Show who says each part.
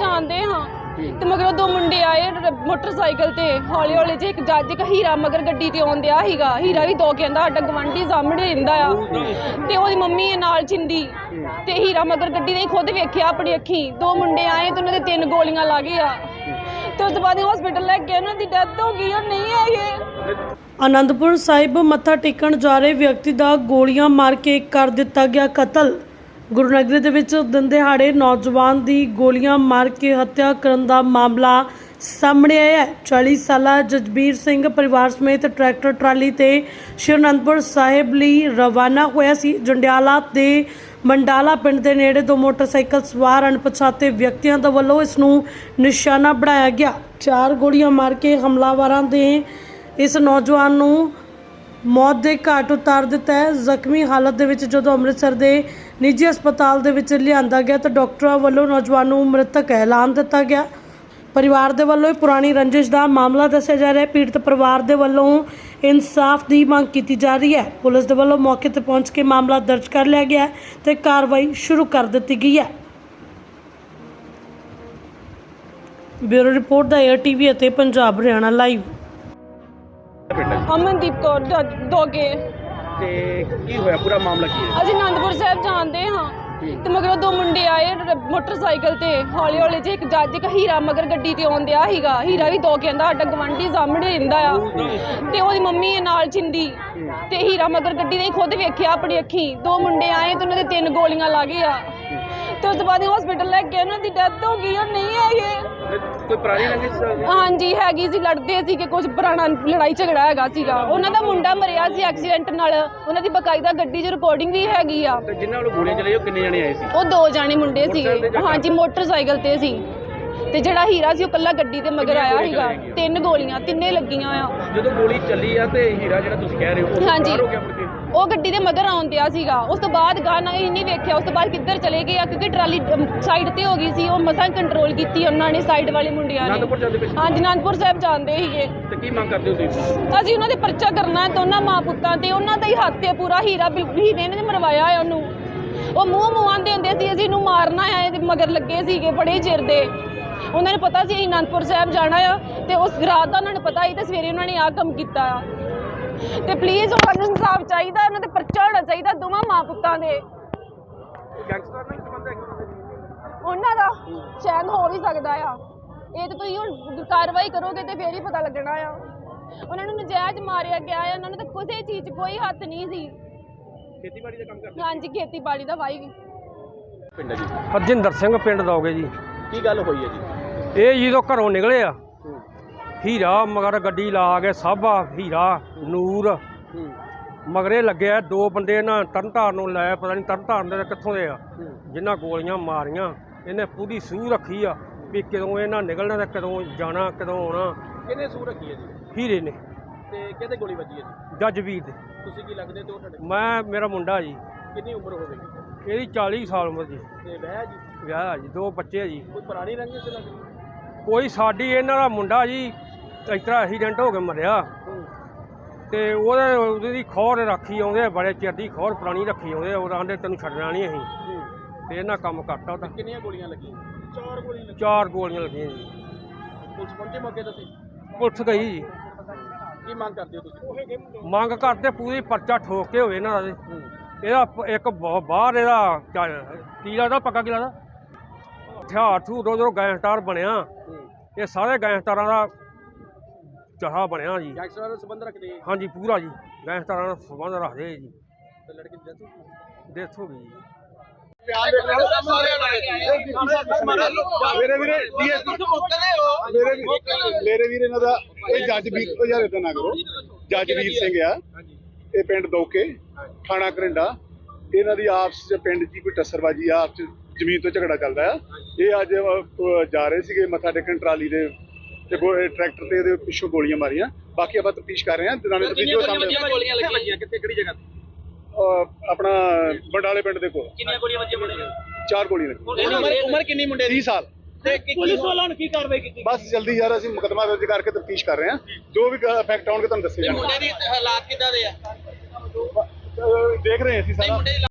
Speaker 1: ਜਾਂਦੇ ਹਾਂ ਤੇ ਮਗਰੋਂ ਦੋ ਮੁੰਡੇ ਆਏ ਮੋਟਰਸਾਈਕਲ ਤੇ ਹੌਲੀ ਹੌਲੀ ਜੇ ਇੱਕ ਜੱਜ ਇੱਕ ਹੀਰਾ ਮਗਰ ਗੱਡੀ ਤੇ ਆਉਂਦਿਆ ਸੀਗਾ। ਹੀਰਾ ਵੀ ਦੋ ਕਹਿੰਦਾ ਸਾਡਾ ਗਵਾਂਢੀ ਸਾਹਮਣੇ ਰਹਿੰਦਾ ਆ ਤੇ ਉਹਦੀ ਮੰਮੀ ਨਾਲ ਚਿੰਦੀ ਤੇ ਹੀਰਾ ਮਗਰ ਗੱਡੀ ਨੇ ਖੁਦ ਵੇਖਿਆ ਆਪਣੀ ਅੱਖੀ। ਦੋ ਮੁੰਡੇ ਆਏ ਤੇ ਉਹਨਾਂ ਦੇ 3 ਗੋਲੀਆਂ ਲੱਗ ਗਈਆਂ ਤੇ ਉਸ ਤੋਂ ਬਾਅਦ ਹਸਪੀਟਲ ਲੈ ਕੇ ਉਹਨਾਂ ਦੀ ਡੈਥ ਹੋ ਗਈ। ਉਹ ਨਹੀਂ ਹੈਗੇ।
Speaker 2: ਆਨੰਦਪੁਰ ਸਾਹਿਬ ਮੱਥਾ ਟੇਕਣ ਜਾ ਰਹੇ ਵਿਅਕਤੀ ਦਾ ਗੋਲੀਆਂ ਮਾਰ ਕੇ ਕਰ ਦਿੱਤਾ ਗਿਆ ਕਤਲ। ਗੁਰੂ ਨਗਰੀ ਦੇ ਵਿੱਚ ਦਿਨ ਦਿਹਾੜੇ ਨੌਜਵਾਨ ਦੀ ਗੋਲੀਆਂ ਮਾਰ ਕੇ ਹੱਤਿਆ ਕਰਨ ਦਾ ਮਾਮਲਾ ਸਾਹਮਣੇ ਆਇਆ ਹੈ। 40 ਸਾਲਾ ਜਸਬੀਰ ਸਿੰਘ ਪਰਿਵਾਰ ਸਮੇਤ ਟਰੈਕਟਰ ਟਰਾਲੀ ਤੇ ਸ਼੍ਰੀ ਅਨੰਦਪੁਰ ਸਾਹਿਬ ਲਈ ਰਵਾਨਾ ਹੋਇਆ ਸੀ। ਜੰਡਿਆਲਾ ਦੇ ਮੰਡਾਲਾ ਪਿੰਡ ਦੇ ਨੇੜੇ ਦੋ ਮੋਟਰਸਾਈਕਲ ਸਵਾਰ ਅਣਪਛਾਤੇ ਵਿਅਕਤੀਆਂ ਦੇ ਵੱਲੋਂ ਇਸ ਨੂੰ ਨਿਸ਼ਾਨਾ ਬਣਾਇਆ ਗਿਆ। 4 ਗੋਲੀਆਂ ਮਾਰ ਕੇ ਹਮਲਾਵਰਾਂ ਦੇ ਇਸ ਨੌਜਵਾਨ ਨੂੰ ਮੌਤ ਦੇ ਘਾਟ ਉਤਾਰ ਦਿੱਤਾ ਹੈ। ਜ਼ਖਮੀ ਹਾਲਤ ਦੇ ਵਿੱਚ ਜਦੋਂ ਅੰਮ੍ਰਿਤਸਰ ਦੇ ਨਿੱਜੀ ਹਸਪਤਾਲ ਦੇ ਵਿੱਚ ਲਿਆਂਦਾ ਗਿਆ ਤਾਂ ਡਾਕਟਰਾਂ ਵੱਲੋਂ ਨੌਜਵਾਨ ਨੂੰ ਮ੍ਰਿਤਕ ਐਲਾਨ ਦਿੱਤਾ ਗਿਆ। ਪਰਿਵਾਰ ਦੇ ਵੱਲੋਂ ਪੁਰਾਣੀ ਰੰਜਿਸ਼ ਦਾ ਮਾਮਲਾ ਦੱਸਿਆ ਜਾ ਰਿਹਾ ਹੈ। ਪੀੜਤ ਪਰਿਵਾਰ ਦੇ ਵੱਲੋਂ ਇਨਸਾਫ ਦੀ ਮੰਗ ਕੀਤੀ ਜਾ ਰਹੀ ਹੈ। ਪੁਲਿਸ ਦੇ ਵੱਲੋਂ ਮੌਕੇ ਤੇ ਪਹੁੰਚ ਕੇ ਮਾਮਲਾ ਦਰਜ ਕਰ ਲਿਆ ਗਿਆ ਹੈ ਤੇ ਕਾਰਵਾਈ ਸ਼ੁਰੂ ਕਰ ਦਿੱਤੀ ਗਈ ਹੈ। ਬਿਊਰੋ ਰਿਪੋਰਟ ਦਾ ਏਅਰ ਟੀਵੀ ਅਤੇ ਪੰਜਾਬ ਹਰਿਆਣਾ ਲਾਈਵ।
Speaker 1: ਅਮਨਦੀਪ ਕੌਰ ਦੋਗੇ।
Speaker 3: ਤੇ ਕੀ ਹੋਇਆ ਪੂਰਾ ਮਾਮਲਾ ਕੀ ਹੈ?
Speaker 1: ਅਸੀਂ ਅਨੰਦਪੁਰ ਸਾਹਿਬ ਜਾਂਦੇ ਹਾਂ ਤੇ ਮਗਰੋਂ ਦੋ ਮੁੰਡੇ ਆਏ ਮੋਟਰਸਾਈਕਲ ਤੇ ਹੌਲੀ ਹੌਲੀ ਜੇ ਇੱਕ ਜੱਜ ਇੱਕ ਹੀਰਾ ਮਗਰ ਗੱਡੀ ਤੇ ਆਉਂਦਿਆ ਸੀਗਾ। ਹੀਰਾ ਵੀ ਦੋ ਕਹਿੰਦਾ ਸਾਡਾ ਗਵਾਂਢੀ ਸਾਹਮਣੇ ਰਹਿੰਦਾ ਆ ਤੇ ਉਹਦੀ ਮੰਮੀ ਨਾਲ ਚਿੰਦੀ ਤੇ ਹੀਰਾ ਮਗਰ ਗੱਡੀ ਨੇ ਖੁਦ ਵੇਖਿਆ ਆਪਣੀ ਅੱਖੀ। ਦੋ ਮੁੰਡੇ ਆਏ ਤੇ ਉਹਨਾਂ ਦੇ 3 ਗੋਲੀਆਂ ਲੱਗ ਗਈਆਂ ਤੇ ਉਸ ਤੋਂ ਬਾਅਦ ਹਸਪੀਟਲ ਲੈ ਕੇ ਉਹਨਾਂ ਦੀ ਡੈਥ ਹੋ ਗਈ। ਉਹ ਨਹੀਂ ਹੈਗੇ।
Speaker 3: ਕੋਈ ਪੁਰਾਣੀ ਰੰਜਿਸ਼?
Speaker 1: ਹਾਂਜੀ ਹੈਗੀ ਸੀ, ਲੜਦੇ ਸੀ ਕਿ ਕੁਝ ਪੁਰਾਣਾ ਲੜਾਈ ਝਗੜਾ ਹੈਗਾ ਸੀਗਾ। ਉਹਨਾਂ ਦਾ ਮੁੰਡਾ ਮਰਿਆ ਸੀ ਐਕਸੀਡੈਂਟ ਨਾਲ। ਉਹਨਾਂ ਦੀ ਬਕਾਇਦਾ ਗੱਡੀ 'ਚ ਰਿਕਾਰਡਿੰਗ ਵੀ ਹੈਗੀ ਆ।
Speaker 3: ਤੇ ਜਿਨ੍ਹਾਂ ਨੂੰ ਗੋਲੀਆਂ ਚਲਾਈ ਉਹ ਕਿੰਨੇ ਜਣੇ ਆਏ ਸੀ?
Speaker 1: ਉਹ 2 ਜਾਣੇ ਮੁੰਡੇ ਸੀਗੇ। ਹਾਂਜੀ ਮੋਟਰਸਾਈਕਲ ਤੇ ਸੀ ਤੇ ਜਿਹੜਾ ਹੀਰਾ ਸੀ ਉਹ ਕੱਲਾ ਗੱਡੀ ਤੇ ਮਗਰ ਆਇਆ ਸੀਗਾ। 3 ਗੋਲੀਆਂ ਤਿੰਨੇ ਲੱਗੀਆਂ ਆ।
Speaker 3: ਜਦੋਂ ਗੋਲੀ ਚੱਲੀ ਆ ਤੇ ਹੀਰਾ ਜਿਹੜਾ ਤੁਸੀਂ ਕਹਿ ਰਹੇ ਹੋ ਉਹ
Speaker 1: ਹਾਂਜੀ।
Speaker 3: ਬਾਹਰ ਹੋ ਗਿਆ ਮੁੜ ਕੇ?
Speaker 1: ਉਹ ਗੱਡੀ ਦੇ ਮਗਰ ਆਉਂਦਿਆ ਸੀਗਾ। ਉਸ ਤੋਂ ਬਾਅਦ ਗਾਣਾ ਹੀ ਨਹੀਂ ਵੇਖਿਆ। ਉਸ ਤੋਂ ਬਾਅਦ ਕਿੱਧਰ ਚਲੇ ਗਏ ਆ ਕਿਉਂਕਿ ਟਰਾਲੀ ਸਾਈਡ ਤੇ ਹੋ ਗਈ ਸੀ। ਉਹ ਮਸਾਂ ਕੰਟਰੋਲ ਕੀਤੀ ਉਹਨਾਂ ਨੇ ਸਾਈਡ ਵਾਲੇ ਮੁੰਡਿਆਂ ਨੇ।
Speaker 3: ਅਨੰਦਪੁਰ ਜਾਂਦੇ ਪਏ ਸੀ?
Speaker 1: ਹਾਂਜੀ ਅਨੰਦਪੁਰ ਸਾਹਿਬ ਜਾਂਦੇ ਸੀਗੇ।
Speaker 3: ਤੇ ਕੀ ਮੰਗ ਕਰਦੇ ਹੋ ਤੁਸੀਂ?
Speaker 1: ਅਸੀਂ ਉਹਨਾਂ ਦੇ ਪਰਚਾ ਕਰਨਾ ਦੋਨਾਂ ਮਾਂ ਪੁੱਤਾਂ ਤੇ। ਉਹਨਾਂ ਦਾ ਹੀ ਹੱਥ ਹੈ ਪੂਰਾ। ਹੀਰੇ ਨੇ ਮਰਵਾਇਆ ਹੈ ਉਹਨੂੰ। ਉਹ ਮੂੰਹ ਆਂਦੇ ਹੁੰਦੇ ਸੀ ਅਸੀਂ ਇਹਨੂੰ ਮਾਰਨਾ ਹੈ। ਇਹਦੇ ਮਗਰ ਲੱਗੇ ਸੀਗੇ ਬੜੇ ਚਿਰ ਦੇ। ਉਹਨਾਂ ਨੂੰ ਪਤਾ ਸੀ ਅਸੀਂ ਅਨੰਦਪੁਰ ਸਾਹਿਬ ਜਾਣਾ ਆ ਤੇ ਉਸ ਰਾਤ ਦਾ ਉਹਨਾਂ ਨੂੰ ਪਤਾ ਸੀ ਤੇ ਸਵੇਰੇ ਉਹਨਾਂ ਨੇ ਆਹ ਕੰਮ ਕੀਤਾ ਆ। ਤੇ ਪਲੀਜ਼ ਉਹਨਾਂ ਨੂੰ ਇਨਸਾਫ ਚਾਹੀਦਾ। ਇਹਨਾਂ ਤੇ ਪਰਚਾ ਹੋਣਾ ਚਾਹੀਦਾ ਦੋਵਾਂ ਮਾਂ ਪੁੱਤਾਂ ਦੇ।
Speaker 3: ਗੈਂਗਸਟਰ ਨਾਲ ਸੰਬੰਧ ਹੈ
Speaker 1: ਉਹਨਾਂ ਦਾ ਸ਼ਾਇਦ ਹੋ ਵੀ ਸਕਦਾ ਆ। ਇਹ ਤਾਂ ਤੁਸੀਂ ਹੁਣ ਕਾਰਵਾਈ ਕਰੋਗੇ ਤੇ ਫੇਰ ਹੀ ਪਤਾ ਲੱਗਣਾ ਆ। ਉਹਨਾਂ ਨੂੰ ਨਜਾਇਜ਼ ਮਾਰਿਆ ਗਿਆ ਆ। ਉਹਨਾਂ ਨੂੰ ਤਾਂ ਕਿਸੇ ਚੀਜ਼ 'ਚ ਕੋਈ ਹੱਥ ਨਹੀਂ ਸੀ।
Speaker 3: ਖੇਤੀਬਾੜੀ ਦਾ ਕੰਮ ਕਰਦੇ?
Speaker 1: ਹਾਂਜੀ ਖੇਤੀਬਾੜੀ ਦਾ ਵਾਈ ਵੀ।
Speaker 3: ਪਿੰਡ ਜੀ
Speaker 4: ਹਰਜਿੰਦਰ ਸਿੰਘ ਪਿੰਡ ਦੋਗੇ ਜੀ।
Speaker 3: ਕੀ ਗੱਲ ਹੋਈ ਹੈ ਜੀ?
Speaker 4: ਇਹ ਜਦੋਂ ਘਰੋਂ ਨਿਕਲੇ ਆ ਹੀਰਾ ਮਗਰ ਗੱਡੀ ਲਾ ਕੇ ਸਾਬਾ ਹੀਰਾ ਨੂਰ ਮਗਰੇ ਲੱਗਿਆ। 2 ਬੰਦੇ ਨਾ ਤਰਨਤਾਰਨ ਨੂੰ ਲਾਇਆ। ਪਤਾ ਨਹੀਂ ਤਰਨਤਾਰਨ ਦੇ ਕਿੱਥੋਂ ਦੇ ਆ ਜਿਨ੍ਹਾਂ ਗੋਲੀਆਂ ਮਾਰੀਆਂ। ਇਹਨੇ ਪੂਰੀ ਸੂਹ ਰੱਖੀ ਆ ਵੀ ਕਦੋਂ ਇਹਨਾਂ ਨਿਕਲਣਾ ਤੇ ਕਦੋਂ ਜਾਣਾ ਕਦੋਂ ਆਉਣਾ।
Speaker 3: ਕਿਹਨੇ ਸੂਹ ਰੱਖੀ ਹੈ ਜੀ?
Speaker 4: ਹੀਰੇ ਨੇ।
Speaker 3: ਤੇ ਕਿਹਦੇ ਗੋਲੀ ਵੱਜੀ ਹੈ ਜੀ?
Speaker 4: ਜੱਜਵੀਰ ਦੇ।
Speaker 3: ਤੁਸੀਂ ਕੀ ਲੱਗਦੇ ਤੇ ਉਹ ਤੁਹਾਡੇ?
Speaker 4: ਮੇਰਾ ਮੁੰਡਾ ਜੀ।
Speaker 3: ਕਿੰਨੀ ਉਮਰ ਹੋਵੇਗੀ?
Speaker 4: ਇਹਦੀ 40 ਸਾਲ ਉਮਰ ਜੀ।
Speaker 3: ਤੇ ਵਿਆਹ ਜੀ?
Speaker 4: ਵਿਆਹ ਜੀ 2 ਬੱਚੇ ਜੀ।
Speaker 3: ਕੋਈ ਪੁਰਾਣੀ ਰੰਜਿਸ਼ ਲੱਗਦੀ?
Speaker 4: ਕੋਈ ਸਾਡੀ ਇਹਨਾਂ ਦਾ ਮੁੰਡਾ ਜੀ ਇਸ ਤਰ੍ਹਾਂ ਐਕਸੀਡੈਂਟ ਹੋ ਕੇ ਮਰਿਆ ਤੇ ਉਹਦੀ ਖੋਰ ਰੱਖੀ ਆਉਂਦੇ ਬੜੇ ਚਿਰ ਦੀ ਖੋਰ ਪੁਰਾਣੀ ਰੱਖੀ ਆਉਂਦੇ। ਉਹ ਆਂਦੇ ਤੈਨੂੰ ਛੱਡਣਾ ਨਹੀਂ ਅਸੀਂ ਤੇ ਇਹਨਾਂ ਕੰਮ ਕਰਤਾ ਉਹਦਾ।
Speaker 3: ਕਿੰਨੀਆਂ ਗੋਲੀਆਂ ਲੱਗੀਆਂ? 4 ਗੋਲੀਆਂ ਲੱਗੀਆਂ।
Speaker 4: 4 ਗੋਲੀਆਂ ਲੱਗੀਆਂ ਜੀ।
Speaker 3: ਪੁਲਿਸ ਪਹੁੰਚੇ ਮੌਕੇ ਤੇ?
Speaker 4: ਪੁਲਿਸ ਗਈ ਜੀ।
Speaker 3: ਕੀ ਮੰਗ ਕਰਦੇ ਹੋ ਤੁਸੀਂ?
Speaker 4: ਮੰਗ ਕਰਦੇ ਪੂਰੀ ਪਰਚਾ ਠੋਕ ਕੇ ਹੋਵੇ ਇਹਨਾਂ ਦਾ। ਇਹਦਾ ਇੱਕ ਬਾਹਰ ਇਹਦਾ ਕੀ ਲੱਗਦਾ ਪੱਕਾ ਕੀ ਲੱਗਦਾ ਹਥਿਆਰ ਥੂ ਰੋ ਗੈਂਗਸਟਰ ਬਣਿਆ। ਇਹ ਸਾਰੇ ਗੈਂਗਸਟਰਾਂ ਦਾ ਚਾਹਾ ਬਣਿਆ ਜੀ।
Speaker 3: ਗੈਂਗਸਟਰਾਂ ਨਾਲ ਸੰਬੰਧ ਰੱਖਦੇ?
Speaker 4: ਹਾਂਜੀ ਪੂਰਾ ਜੀ ਗੈਂਗਸਟਰਾਂ ਨਾਲ ਸੰਬੰਧ ਰੱਖਦੇ ਜੀ।
Speaker 3: ਤੇ ਲੜਕੀ ਦੀ
Speaker 4: ਡੈਥ ਹੋ ਗਈ ਜੀ।
Speaker 5: ਮੇਰੇ ਵੀਰ ਇਹਨਾਂ ਦਾ ਇਹ ਜੱਜਵੀਰ ਤੋਂ ਯਾਰ ਇਦਾਂ ਨਾ ਕਰੋ। ਜੱਜਵੀਰ ਸਿੰਘ ਆ ਇਹ ਪਿੰਡ ਦੋਕੇ ਥਾਣਾ ਕਰਿੰਡਾ। ਇਹਨਾਂ ਦੀ ਆਪਸ ਚ ਪਿੰਡ ਦੀ ਕੋਈ ਟੱਸਰਬਾਜੀ ਆ ਆਪਸ ਚ ਜ਼ਮੀਨ ਤੋਂ ਝਗੜਾ ਚੱਲਦਾ ਆ। ਇਹ ਅੱਜ ਜਾ ਰਹੇ ਸੀਗੇ ਮੱਥਾ ਟੇਕਣ ਟਰਾਲੀ ਦੇ ਤੇ ਟਰੈਕਟਰ ਤੇ ਇਹਦੇ ਪਿੱਛੋਂ ਗੋਲੀਆਂ ਮਾਰੀਆਂ। ਬਾਕੀ ਆਪਾਂ ਤਫਤੀਸ਼ ਕਰ ਰਹੇ ਹਾਂ।
Speaker 3: ਗੋਲੀਆਂ ਲੱਗੀਆਂ ਕਿੱਥੇ ਕਿਹੜੀ ਜਗ੍ਹਾ ਤੇ?
Speaker 5: ਆਪਣਾ ਬੰਡਾਲੇ ਪਿੰਡ ਦੇ ਕੋਲ।
Speaker 3: ਕਿੰਨੀਆਂ ਗੋਲੀਆਂ ਵੱਜੀਆਂ ਮੁੰਡੇ ਨੂੰ?
Speaker 5: 4 ਗੋਲੀਆਂ ਲੱਗੀਆਂ।
Speaker 3: ਉਮਰ ਕਿੰਨੀ ਮੁੰਡੇ ਦੀ?
Speaker 5: 30 ਸਾਲ।
Speaker 3: ਤੇ ਪੁਲਿਸ ਵਾਲਿਆਂ ਨੇ ਕੀ ਕਾਰਵਾਈ ਕੀਤੀ?
Speaker 5: ਬਸ ਜਲਦੀ ਯਾਰ ਅਸੀਂ ਮੁਕੱਦਮਾ ਦਰਜ ਕਰਕੇ ਤਫਤੀਸ਼ ਕਰ ਰਹੇ ਹਾਂ। ਜੋ ਵੀ ਫੈਕਟ ਆਉਣਗੇ ਤੁਹਾਨੂੰ ਦੱਸੇ ਜਾਣਗੇ।
Speaker 3: ਮੁੰਡੇ ਦੀ ਹਾਲਾਤ ਕਿੱਦਾਂ ਦੇ ਆ?
Speaker 5: ਦੇਖ ਰਹੇ ਹਾਂ ਅਸੀਂ ਸਾਰਾ।